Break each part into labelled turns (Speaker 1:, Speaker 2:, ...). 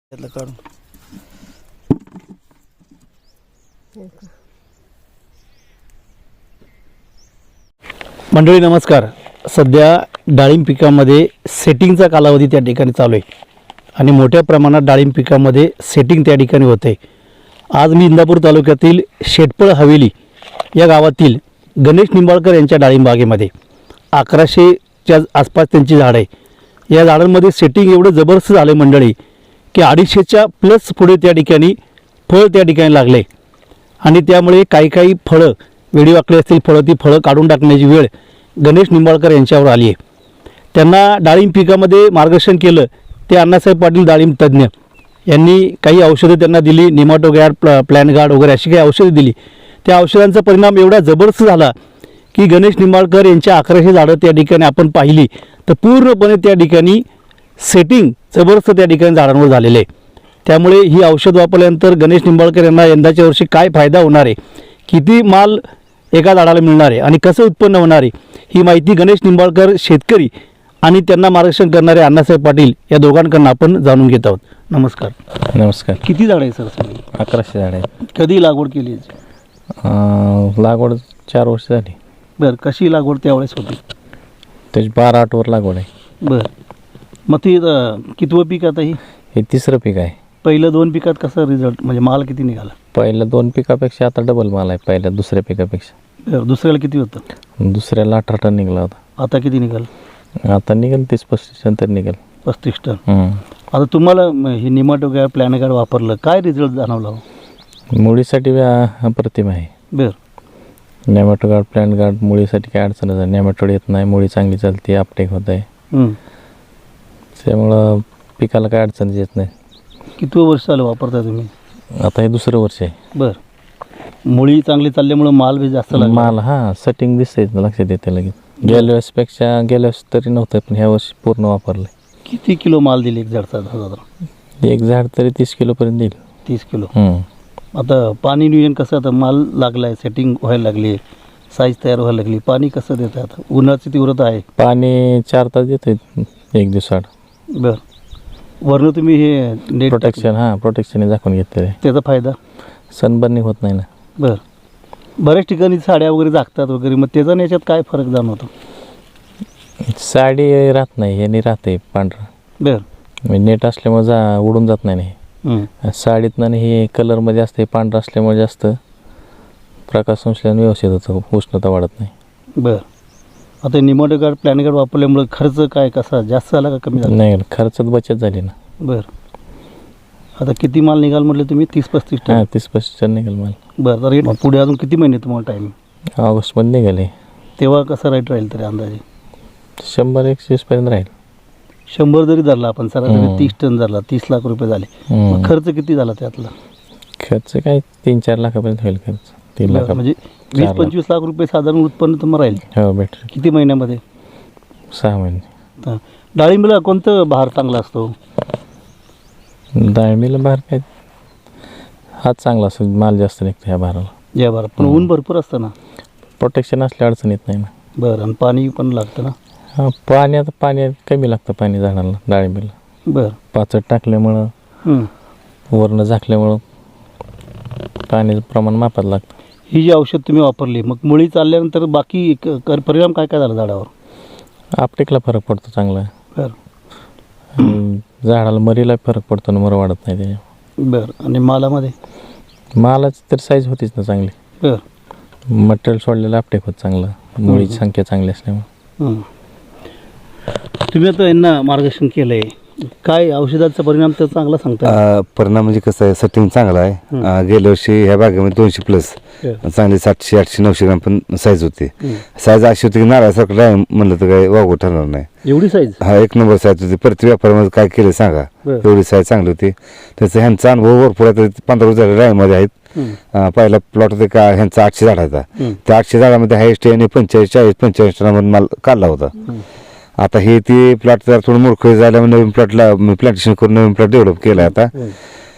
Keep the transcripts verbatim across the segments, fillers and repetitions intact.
Speaker 1: त्यातलं काढून मंडळी नमस्कार. सध्या डाळिंब पिकामध्ये सेटिंगचा कालावधी त्या ठिकाणी चालू आहे आणि मोठ्या प्रमाणात डाळिंब पिकामध्ये सेटिंग त्या ठिकाणी होते. आज मी इंदापूर तालुक्यातील शेटपळ हवेली या गावातील गणेश निंबाळकर यांच्या डाळिंब बागेमध्ये अकराशेच्या आसपास त्यांची झाडं आहे. या झाडांमध्ये सेटिंग एवढं जबरदस्त झालं आहे मंडळी की अडीचशेच्या प्लस पुढे त्या ठिकाणी फळ त्या ठिकाणी लागले आणि त्यामुळे काही काही फळं वेडी वाकली असतील फळं ती फळं काढून टाकण्याची वेळ गणेश निंबाळकर यांच्यावर आली आहे. त्यांना डाळिंब पिकामध्ये मार्गदर्शन केलं ते अण्णासाहेब पाटील डाळिंब तज्ज्ञ यांनी काही औषधं त्यांना दिली, निमाटोगॅड प्ल प्लॅन गार्ड वगैरे अशी काही औषधं दिली. त्या औषधांचा परिणाम एवढा जबरदस्त झाला की गणेश निंबाळकर यांच्या अकराशे झाडं त्या ठिकाणी आपण पाहिली तर पूर्णपणे त्या ठिकाणी सेटिंग जबरदस्त त्या ठिकाणी झाडांवर झालेले आहे. त्यामुळे ही औषध वापरल्यानंतर गणेश निंबाळकर यांना यंदाच्या वर्षी काय फायदा होणार आहे, किती माल एका झाडाला मिळणार आहे आणि कसं उत्पन्न होणार आहे, ही माहिती गणेश निंबाळकर शेतकरी आणि त्यांना मार्गदर्शन करणारे अण्णासाहेब पाटील या दोघांकडून आपण जाणून घेत आहोत. नमस्कार.
Speaker 2: नमस्कार.
Speaker 1: किती झाडं आहे सर सगळी?
Speaker 2: अकराशे झाड आहेत.
Speaker 1: कधी लागवड केली याची?
Speaker 2: लागवड चार वर्ष झाली.
Speaker 1: बरं, कशी लागवड त्यावेळेस होती?
Speaker 2: त्याची बारा आठ वर लागवड आहे.
Speaker 1: बरं, मग ती अं, कितवं पीक आता ही?
Speaker 2: हे तिसरं पीक आहे.
Speaker 1: पहिलं दोन पिकात कसा रिझल्ट म्हणजे माल किती निघाला?
Speaker 2: पहिल्या दोन पिकापेक्षा आता डबल माल आहे पहिल्या दुसऱ्या पिकापेक्षा.
Speaker 1: बरं, दुसऱ्याला किती होतं?
Speaker 2: दुसऱ्याला अठरा टन निघाला होता.
Speaker 1: आता किती निघाल?
Speaker 2: आता निघेल तीस पस्तीस टन तर निघेल.
Speaker 1: पस्तीस टन.
Speaker 2: हम्म.
Speaker 1: आता तुम्हाला म, हे निमाटोगॅड प्लॅन गार्ड वापरलं, काय रिझल्ट जाणवला?
Speaker 2: मुळीसाठी व्या- अप्रतिम आहे.
Speaker 1: बरं.
Speaker 2: नेमॅटोगार्ड प्लॅन गार्ड मुळीसाठी काय अडचण नाही. नेमॅटोड येत नाही, मुळी चांगली चालते, अपटेक होत आहे.
Speaker 1: हं.
Speaker 2: त्यामुळं पिकाला काय अडचण येत नाही.
Speaker 1: किती वर्ष झालं वापरता तुम्ही?
Speaker 2: आता हे दुसरं वर्ष आहे.
Speaker 1: बरं, मुळी चांगली चालल्यामुळं माल बी जास्त लागला.
Speaker 2: माल हां सेटिंग दिसतंय लक्षात येते लगेच. गेल्या वेळेसपेक्षा गेल्या वेळेस तरी नव्हतं पण ह्या वर्षी पूर्ण वापरलं.
Speaker 1: किती किलो माल दिले एक झाडचा साधारण?
Speaker 2: एक झाड तरी तीस किलोपर्यंत देईल.
Speaker 1: तीस किलो.
Speaker 2: हम्म.
Speaker 1: आता पाणी नियोजन कसं? आता माल लागला आहे, सेटिंग व्हायला लागली, साईज तयार व्हायला लागली, पाणी कसं देतं? आता उन्हाची तीव्रता आहे.
Speaker 2: पाणी चार तास देतोय एक दिवसाड.
Speaker 1: बरं, वरनं तुम्ही हे नेट
Speaker 2: प्रोटेक्शन हां प्रोटेक्शन झाकून घेतलेलं आहे.
Speaker 1: त्याचा फायदा?
Speaker 2: सनबर्निंग होत नाही ना.
Speaker 1: बरं, बऱ्याच ठिकाणी साड्या वगैरे झाकतात वगैरे, मग त्याचा आणि याच्यात काय फरक जाणवतो?
Speaker 2: साडी राहत नाही याने राहते पांढरं.
Speaker 1: बरं.
Speaker 2: म्हणजे नेट असल्यामुळे जा उडून जात नाही.
Speaker 1: हं.
Speaker 2: साडीतनं आणि हे कलरमध्ये असते पांढरं असल्यामुळे जास्त प्रकाश संश्लेषण व्यवस्थित होतं, उष्णता वाढत नाही.
Speaker 1: बरं, आता निमाटोगॅड प्लॅन गार्ड वापरल्यामुळे खर्च काय कसा जास्त झाला का कमी झाला?
Speaker 2: नाही खर्चात बचत झाली ना.
Speaker 1: बरं, आता किती माल निघाल म्हटलं तुम्ही? तीस पस्तीस टन.
Speaker 2: हां तीस पस्तीस टन निघेल माल.
Speaker 1: बरं, तर हे पुढे अजून किती महिने तुम्हाला टाईम?
Speaker 2: ऑगस्टमध्ये निघाले.
Speaker 1: तेव्हा कसं राईट राहील तरी अंदाजे?
Speaker 2: शंभर एकशे वीसपर्यंत राहील.
Speaker 1: शंभर जरी धरला आपण सरासरी तीस टन धरला, तीस लाख रुपये झाले.
Speaker 2: हम्म.
Speaker 1: मग खर्च किती झाला त्यातला?
Speaker 2: खर्च काय तीन चार लाखापर्यंत होईल खर्च. तीन
Speaker 1: बरं,
Speaker 2: लाख
Speaker 1: म्हणजे वीस पंचवीस लाख रुपये साधारण उत्पन्न तुम्हाला राहील.
Speaker 2: हो भेटेल.
Speaker 1: किती महिन्यामध्ये?
Speaker 2: सहा महिने.
Speaker 1: हां, डाळिंबला कोणतं बहार चांगला असतो?
Speaker 2: डाळिंबीला भार काय हाच चांगला असतो, माल जास्त निघतो ह्या भाराला.
Speaker 1: या बरं, पण ऊन भरपूर असतं ना.
Speaker 2: प्रोटेक्शन असल्या अडचण येत नाही ना.
Speaker 1: बरं, आणि पाणी पण लागतं ना.
Speaker 2: हां पाणी आता पाणी कमी लागतं पाणी झाडाला डाळिंबीला.
Speaker 1: बरं.
Speaker 2: पाचट टाकल्यामुळं
Speaker 1: हं.
Speaker 2: वरनं झाकल्यामुळं पाण्याचं प्रमाण मापात लागतं.
Speaker 1: ही जी औषध तुम्ही वापरली, मग मुळी चालल्यानंतर बाकी क- कर परिणाम काय काय झाला झाडावर?
Speaker 2: आपटेकला फरक पडतो चांगला.
Speaker 1: बरं.
Speaker 2: आणि झाडाला मरीला फरक पडतो ना, मर वाढत नाही त्याच्या.
Speaker 1: बरं, आणि मालामध्ये?
Speaker 2: मालाची तर साईज होतीच ना चांगली.
Speaker 1: बरं.
Speaker 2: मटेरियल सोडलेलं आपटेक होत चांगलं, मुळीची संख्या चांगली असल्यामुळे.
Speaker 1: हं. तुम्ही आता यांना मार्गदर्शन केलं आहे, काय औषधाचा परिणाम तर चांगला सांगता?
Speaker 3: अ, परिणाम म्हणजे कसं आहे, सेटिंग चांगला आहे. अ, गेल्या वर्षी ह्या बागेमध्ये दोनशे प्लस
Speaker 1: बरं.
Speaker 3: चांगली सातशे आठशे नऊशे ग्राम पण साईज होती.
Speaker 1: हं.
Speaker 3: साईज अशी होती की नारळासारखं डाळिंब म्हणलं तर काही वागू ठरणार नाही.
Speaker 1: एवढी साईज?
Speaker 3: हा एक नंबर साईज होती. प्रति व्यापारामध्ये काय केलं सांगा,
Speaker 1: बरं.
Speaker 3: एवढी साईज चांगली होती. त्याचा ह्यांचा अनुभव भरपूर आहे. पंधरा वर्ष झाले डाळिंबमध्ये आहेत.
Speaker 1: हं.
Speaker 3: अ, पहिला प्लॉट होते का ह्यांचा आठशे झाडाचा,
Speaker 1: हं.
Speaker 3: त्या आठशे झाडामध्ये हायस्ट यांनी पंचेचाळीस चाळीस पंचेचाळीस टनामध्ये माल काढला होता.
Speaker 1: हं.
Speaker 3: आता हे ती प्लॉट जर थोडं मूर्ख झाल्यामुळे नवीन प्लॉटला प्लांटेशन करून नवीन प्लॉट डेव्हलप केला आता.
Speaker 1: हं.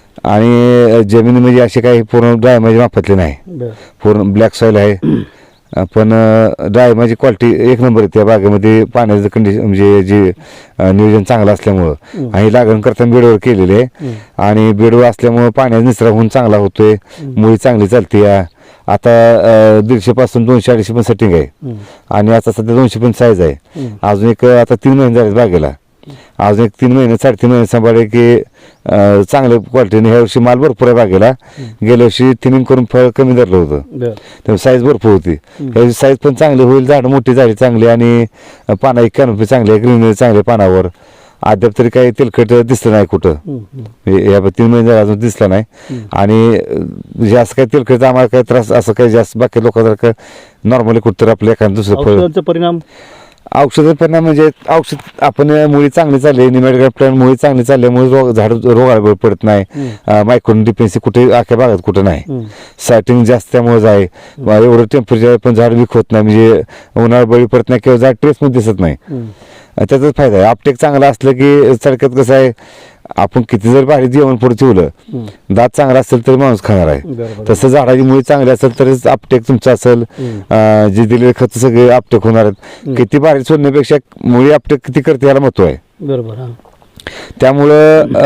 Speaker 3: आणि जमिनी म्हणजे असे काही पूर्ण ड्राय म्हणजे माफतले नाही,
Speaker 1: बरं.
Speaker 3: पूर्ण ब्लॅक सॉईल आहे. पण डाळिंबाची क्वालिटी एक नंबर आहे. त्या बागेमध्ये पाण्याचं कंडिशन म्हणजे जे अ, नियोजन चांगलं असल्यामुळं आणि लागण करताना बेडवर केलेले आहे आणि बेडवर असल्यामुळं पाण्याचा निचरा होऊन चांगला होतोय, मुळी चांगली चालते. या आता अ, दीडशे पासून दोनशे अडीचशे पण सेटिंग आहे आणि आता सध्या दोनशे पण साईज आहे. अजून एक आता तीन महिने झाले बागेला, अजून एक तीन महिने साडेतीन महिने सांभाळले की अ, चांगल्या क्वालिटीने. ह्या वर्षी माल भरपूर आहे बागेला. गेल्या वर्षी थिनिंग करून फळ कमी धरलं होतं,
Speaker 1: बरं
Speaker 3: त्यामुळे साईज भरपूर होती. ह्याची साईज पण चांगली होईल, झाडं मोठी झाली चांगली आणि पाना एक कॅनोपी चांगली आहे, ग्रीनरी चांगली पानावर. अद्याप तरी काही तेलकट दिसलं नाही कुठं, म्हणजे या तीन महिने झाले अजून दिसला नाही. आणि अ, जास्त काही तेलकटचा आम्हाला काही त्रास असं काही जास्त बाकी लोकांसारखं नॉर्मली कुठं आपलं एखादं दुसरं फळ.
Speaker 1: औषधांचा परिणाम
Speaker 3: औषध परिणाम म्हणजे औषध आपण मुळी चांगली चालली, निमेटोड प्लॅन मुळी चांगली चालल्यामुळे रोग झाड रोगाला पडत नाही. मायक्रोन डिपेन्सी कुठे अख्या भागात कुठं नाही. सायटिंग जास्त त्यामुळे आहे, एवढं टेम्परेचर पण झाड वीक होत नाही, म्हणजे उन्हाळा बळी पडत नाही किंवा झाड ट्रेसमध्ये दिसत नाही. त्याचाच फायदा आहे. आपटेक चांगला असलं की सडक्यात कसं आहे, आपण किती जर भारी जेवण पुढे ठेवलं, दात चांगला असेल तरी माणूस खाणार आहे. तसं झाडाची मुळी चांगली असेल तरच आपटेक तुमचं असेल, जे दिलेले खत सगळे आपटेक होणार आहेत. किती भारी सोडण्यापेक्षा मुळी आपटेक किती करते याला महत्व आहे.
Speaker 1: बरोबर.
Speaker 3: त्यामुळं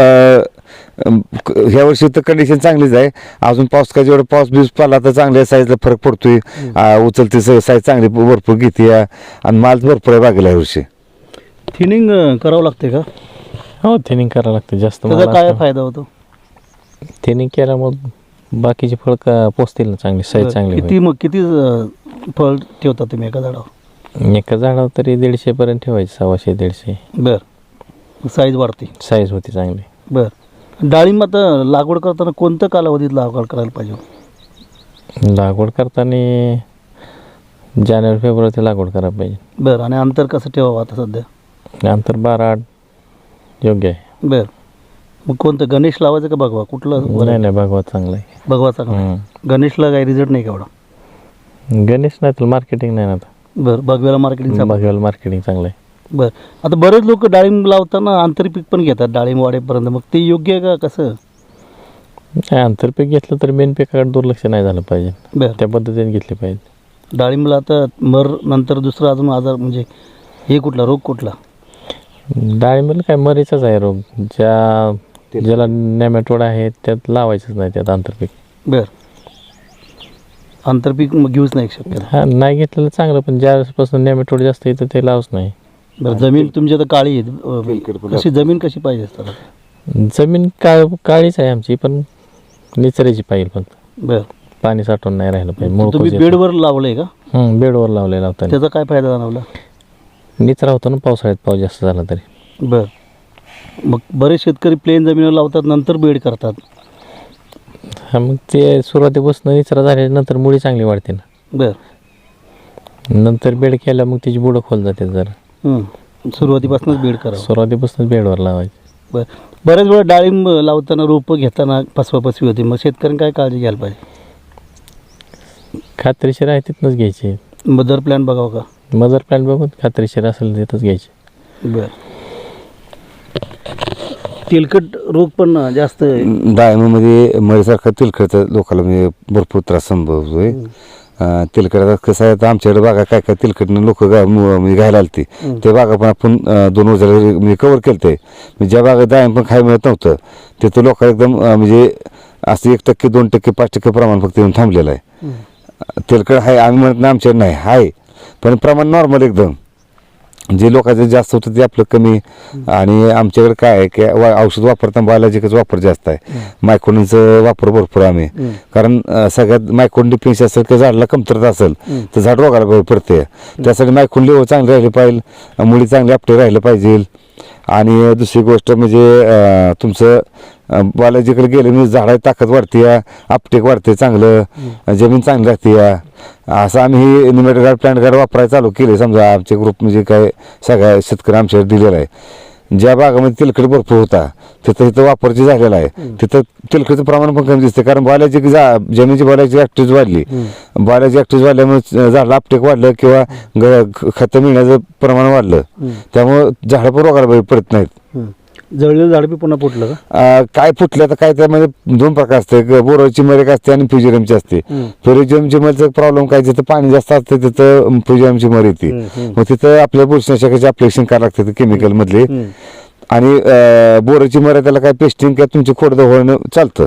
Speaker 3: ह्या वर्षी तर कंडिशन चांगलीच आहे. अजून पाऊस का जेवढा पाऊस बिऊस पडला तर चांगल्या साईजला फरक पडतोय, उचलते साईज चांगली भरपूर घेते आणि माल भरपूर आहे बागेला ह्या
Speaker 1: थिनिंग करावं लागते का?
Speaker 2: हो, थिनिंग करावं लागतं. जास्त
Speaker 1: त्याचा काय फायदा होतो?
Speaker 2: थिनिंग केल्यामुळे बाकीचे फळ का पोचतील ना, चांगली साईज चांगली
Speaker 1: किती मग किती अं, फळ ठेवता तुम्ही एका झाडावर?
Speaker 2: होईल. एका झाडावर तरी दीडशे पर्यंत ठेवायचे, सव्वाशे दीडशे
Speaker 1: बर. साईज वाढते.
Speaker 2: साईज होती चांगली.
Speaker 1: बर. डाळिंब आता लागवड करताना कोणत्या कालावधीत लागवड करायला पाहिजे?
Speaker 2: लागवड करताना जानेवारी फेब्रुवारी लागवड करायला पाहिजे.
Speaker 1: बरं. आणि अंतर कसं ठेवावं आता सध्या?
Speaker 2: नंतर बारा आठ योग्य आहे.
Speaker 1: बर. मग कोणतं गणेश लावायचं का भगवा? कुठलं?
Speaker 2: नाही नाही, भगवा चांगला आहे.
Speaker 1: भगवा चांगला. गणेशला काही रिझल्ट नाही का एवढा?
Speaker 2: गणेश नाही तर मार्केटिंग नाही ना आता.
Speaker 1: बरं. भगव्याला मार्केटिंग.
Speaker 2: भगव्याला मार्केटिंग चांगलं आहे.
Speaker 1: बरं. आता बरेच लोक डाळिंब लावताना आंतरपीक पण घेतात डाळिंब वाढेपर्यंत, मग ते योग्य आहे का कसं?
Speaker 2: नाही, आंतरपीक घेतलं तर मेन पिकाकडे दुर्लक्ष नाही झालं पाहिजे.
Speaker 1: बरं.
Speaker 2: त्या पद्धतीने घेतले पाहिजे.
Speaker 1: डाळिंबला आता मर नंतर दुसरा अजून आजार म्हणजे हे कुठला रोग कुठला?
Speaker 2: डाळिंबाला काय मरीचाच आहे रोग. ज्या ज्याला नेमॅटोड आहे त्यात लावायचंच नाही, त्यात आंतरपीक.
Speaker 1: बरं. आंतरपीक मग घेऊच नाही शक्यता?
Speaker 2: हा, नाही घेतलेलं चांगलं, पण ज्यापासून नेमॅटोड जास्त येतं ते लावच नाही.
Speaker 1: बरं. जमीन तुमची आता काळी आहे, कशी जमीन कशी पाहिजे असतात?
Speaker 2: जमीन काळ काळीच आहे आमची, पण निचऱ्याची पाहिजे फक्त.
Speaker 1: बरं.
Speaker 2: पाणी साठवून नाही राहिलं पाहिजे. मूळ
Speaker 1: तुम्ही
Speaker 2: कोस येतं.
Speaker 1: बेडवर लावलंय का?
Speaker 2: हं, बेडवर लावलेला होता.
Speaker 1: त्याचा काय फायदा जाणवला?
Speaker 2: निचरा होतो ना पावसाळ्यात, पाऊस जास्त झाला तरी.
Speaker 1: बरं. मग बरेच शेतकरी प्लेन जमिनीवर लावतात, नंतर बेड करतात.
Speaker 2: हा, मग ते सुरुवातीपासून निचरा झाल्यानंतर मुळी चांगली वाढते ना.
Speaker 1: बरं.
Speaker 2: नंतर बेड केल्या मग तिची बुडं खोल जाते जरा.
Speaker 1: हं. सुरुवातीपासूनच बेड करावं.
Speaker 2: सुरुवातीपासूनच बेडवर लावायची.
Speaker 1: बरं. बऱ्याच वेळा डाळिंब लावताना रोपं घेताना फसवाफसवी होती, मग शेतकऱ्यांनी काय काळजी घ्यायला पाहिजे?
Speaker 2: खात्रीशीर आहे तिथनंच घ्यायची.
Speaker 1: मदर प्लॅन बघावं का?
Speaker 2: मदर प्लॅन बघून खात्रीशीर असेल तिथंच घ्यायची.
Speaker 1: बरं. तेलकट रोग पण जास्त
Speaker 3: डाळिंबामध्ये मरीसारखा तेलकटचा लोकांना म्हणजे भरपूर त्रास संभवतोय. तेलकट कसं आहे, आता आमच्याकडे बागा काय काय तेलकटनं लोक म्हणजे घ्यायला आलती, ते बागा पण आपण अं, दोन वर्षाला म्हणजे कव्हर केलं ते. म्हणजे ज्या बागा डाळिंब पण खायला मिळत नव्हतं तिथं लोकांना एकदम अं, म्हणजे असं एक टक्के दोन टक्के पाच टक्के प्रमाण फक्त येऊन थांबलेलं आहे. तेलकट आहे आम्ही म्हणत नाही आमच्याकडे नाही, आहे पण प्रमाण नॉर्मल एकदम. जे लोकांचं जास्त होतं ते आपलं कमी. आणि आमच्याकडे काय आहे की वा- औषध वापरताना बायोलॉजिकच वापर जास्त आहे. मायक्रोनचा वापर भरपूर आम्ही, कारण अं, सगळ्यात मायक्रोन डिफिन्सी असेल किंवा झाडाला कमतरता असेल तर झाड रोगाला बळी पडते. त्यासाठी मायक्रोन लेवल चांगली राहिली पाहिजे, मुळी चांगली आपटे राहिलं पाहिजे. आणि दुसरी गोष्ट म्हणजे अं, तुमचं बायोलॉजिकल गेलं म्हणजे झाडाची ताकद वाढते, आपटेक वाढते, चांगलं जमीन चांगली राहते. असं आम्ही निमेटोड गार्ड प्लांट गार्ड वापरायला चालू केले. समजा आमचे ग्रुप म्हणजे काय सगळ्या शेतकरी आमच्याकडे दिलेला आहे. ज्या भागामध्ये तेलकट भरपूर होता तिथं तिथं वापर जे झालेला आहे तिथं तेलकटचं प्रमाण पण कमी दिसते, कारण बायोलॉजिक जा जमिनीची बायोलॉजिक ऍक्टिव्हिटी वाढली. बायोलॉजिक ऍक्टिव्हिटी वाढल्यामुळे झाडाला आपटेक वाढलं किंवा ग- खतं मिळण्याचं प्रमाण वाढलं, त्यामुळं झाडं पण रोगाला बळी पडत नाहीत.
Speaker 1: जळलेलं झाड बी पुन्हा फुटलं का?
Speaker 3: अं, काय फुटलं तर काय त्यामध्ये दोन प्रकार असते एक बोराची मर एक असते आणि फ्युजिरमची असते. फ्युजिरमची मरचा प्रॉब्लेम काय जिथं पाणी जास्त असतं तिथं फ्युजिरमची मर येते. मग तिथं आपल्या बुरशीनाशकाचे अप्लिकेशन करावं लागतं केमिकल मधले. आणि बोराची मर त्याला काय पेस्टिंग किंवा तुमची खोड होणं चालतं.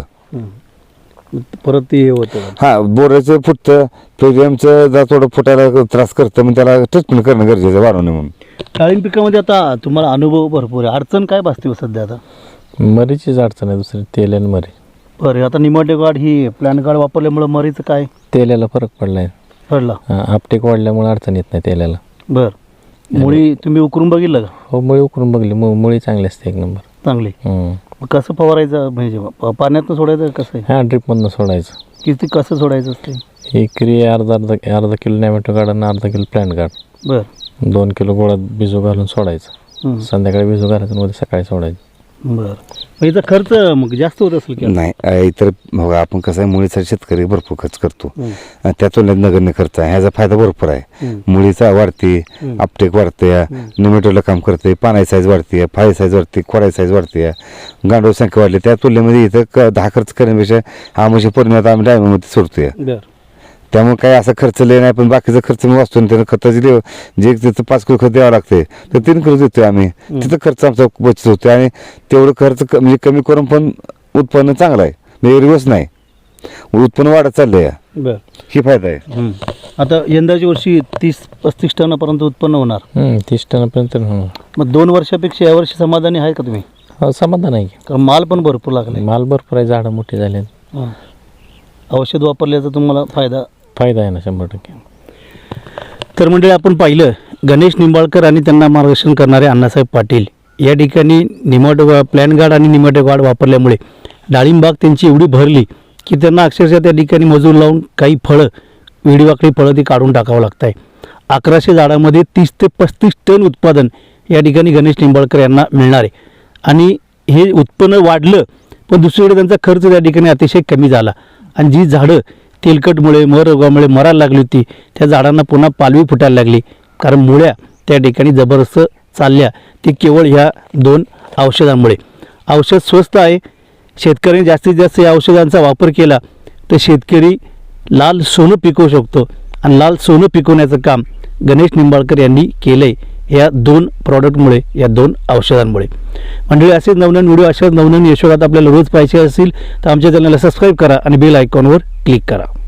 Speaker 1: परत ते हे होतं.
Speaker 3: हा बोराचं फुटतं फ्युजिरमचं जर थोडं फुटायला त्रास करतं मग त्याला ट्रीटमेंट करणं गरजेचं आहे वाढवणं म्हणून.
Speaker 1: डाळिंब पिकामध्ये आता तुम्हाला अनुभव भरपूर आहे. अडचण काय भासते हो सध्या आता?
Speaker 2: मरीचीच अडचण आहे दुसरी, तेल आणि मरी.
Speaker 1: बरं, आता निमोटेगार्ड ही प्लॅन गार्ड वापरल्यामुळे मरीचं काय
Speaker 2: तेलाला फरक पडलाय.
Speaker 1: पडला?
Speaker 2: आपटेक वाढल्यामुळे अडचण येत नाही तेलाला.
Speaker 1: बरं, मुळी तुम्ही उकरून बघितलं का?
Speaker 2: हो, मुळी उकरून बघली, मु- मुळी चांगली असते एक नंबर.
Speaker 1: चांगली.
Speaker 2: हम्म.
Speaker 1: मग कसं फवारायचं म्हणजे प- पाण्यातनं सोडायचं का कसं आहे?
Speaker 2: हा, ड्रिपमधनं सोडायचं.
Speaker 1: किती कसं सोडायचं असते?
Speaker 2: एकरी अर्धा अर्धा अर्धा किलो नॅमेटो गार्ड आणि अर्धा किलो प्लॅन्ट गार्ड
Speaker 1: बरं
Speaker 2: दोन किलो गोळात बिजू घालून सोडायचं.
Speaker 1: हं.
Speaker 2: संध्याकाळी बिजू घालायचं आणि उद्या सकाळी सोडायचं.
Speaker 1: बरं, मग याचा खर्च मग जास्त होत असेल की?
Speaker 3: नाही अ, इतर बघा आपण कसं आहे मुळीसाठी शेतकरी भरपूर खर्च करतो.
Speaker 1: हं.
Speaker 3: अ, त्या तुलनेत नगण्य खर्च आहे. ह्याचा फायदा भरपूर आहे.
Speaker 1: हं.
Speaker 3: मुळीचा वाढते,
Speaker 1: हं.
Speaker 3: आपटेक वाढते, निमेटोला काम करते, पानाची साईज वाढते, फाळी साईज वाढते, खोडाची साईज वाढते, गांडूळ संख्या वाढली. त्या तुलनेमध्ये इथं क- दहा खर्च करण्यापेक्षा हा म्हणजे परिणाम आम्ही डायमंडमध्ये सोडतोय.
Speaker 1: बरं.
Speaker 3: त्यामुळे काही असा खर्च लय नाही, पण बाकीचा खर्च मी वाचतो. त्यानं खताची देव जे तिथं पाच किलो खत द्यावं लागते तर तीन किलो देतोय आम्ही. तिथं खर्च आमचा बचत होतो आणि तेवढं खर्च क- म्हणजे कमी करून पण उत्पन्न चांगलं आहे. म्हणजे रिवर्स नाही, उत्पन्न वाढत चाललंय.
Speaker 1: बरं.
Speaker 3: ही फायदा आहे.
Speaker 1: हं. आता यंदाच्या वर्षी तीस पस्तीस टनापर्यंत उत्पन्न होणार.
Speaker 2: हम्म, तीस टनापर्यंत होणार.
Speaker 1: मग दोन वर्षापेक्षा यावर्षी समाधानी आहे का तुम्ही?
Speaker 2: हो, समाधान आहे की.
Speaker 1: कारण माल पण भरपूर लागले.
Speaker 2: माल भरपूर आहे, झाडं मोठी झाली आहेत.
Speaker 1: हं. औषध वापरल्याचा तुम्हाला फायदा.
Speaker 2: फायदा आहे ना शंभर टक्के.
Speaker 1: तर मंडळी आपण पाहिलं गणेश निंबाळकर आणि त्यांना मार्गदर्शन करणारे अण्णासाहेब पाटील या ठिकाणी निमोटो प्लॅन गार्ड आणि निमोटो गार्ड वापरल्यामुळे डाळिंबाग त्यांची एवढी भरली की त्यांना अक्षरशः त्या ठिकाणी मजूर लावून काही फळं वेडीवाकडी फळं ती काढून टाकावं लागत आहे. अकराशे झाडामध्ये तीस ते पस्तीस टन उत्पादन या ठिकाणी गणेश निंबाळकर यांना मिळणार आहे. आणि हे उत्पन्न वाढलं पण दुसरीकडे त्यांचा खर्च त्या ठिकाणी अतिशय कमी झाला. आणि जी झाडं तेलकटमुळे मर रोगामुळे मरायला लागली होती त्या झाडांना पुन्हा पालवी फुटायला लागली, कारण मुळ्या त्या ठिकाणी जबरदस्त चालल्या. ती केवळ ह्या दोन औषधांमुळे. औषध स्वस्त आहे. शेतकऱ्यांनी जास्तीत जास्त या औषधांचा वापर केला तर शेतकरी लाल सोनं पिकवू शकतो. आणि लाल सोनं पिकवण्याचं काम गणेश निंबाळकर यांनी केलं आहे या दोन प्रॉडक्टमुळे, या दोन औषधांमुळे. मंडळी असेच नवनवीन व्हिडिओ, अशाच नवनवीन यशोगात आपल्याला रोज पाहिजे असतील तर आमच्या चॅनलला सबस्क्राईब करा आणि बेल आयकॉनवर क्लिक करा.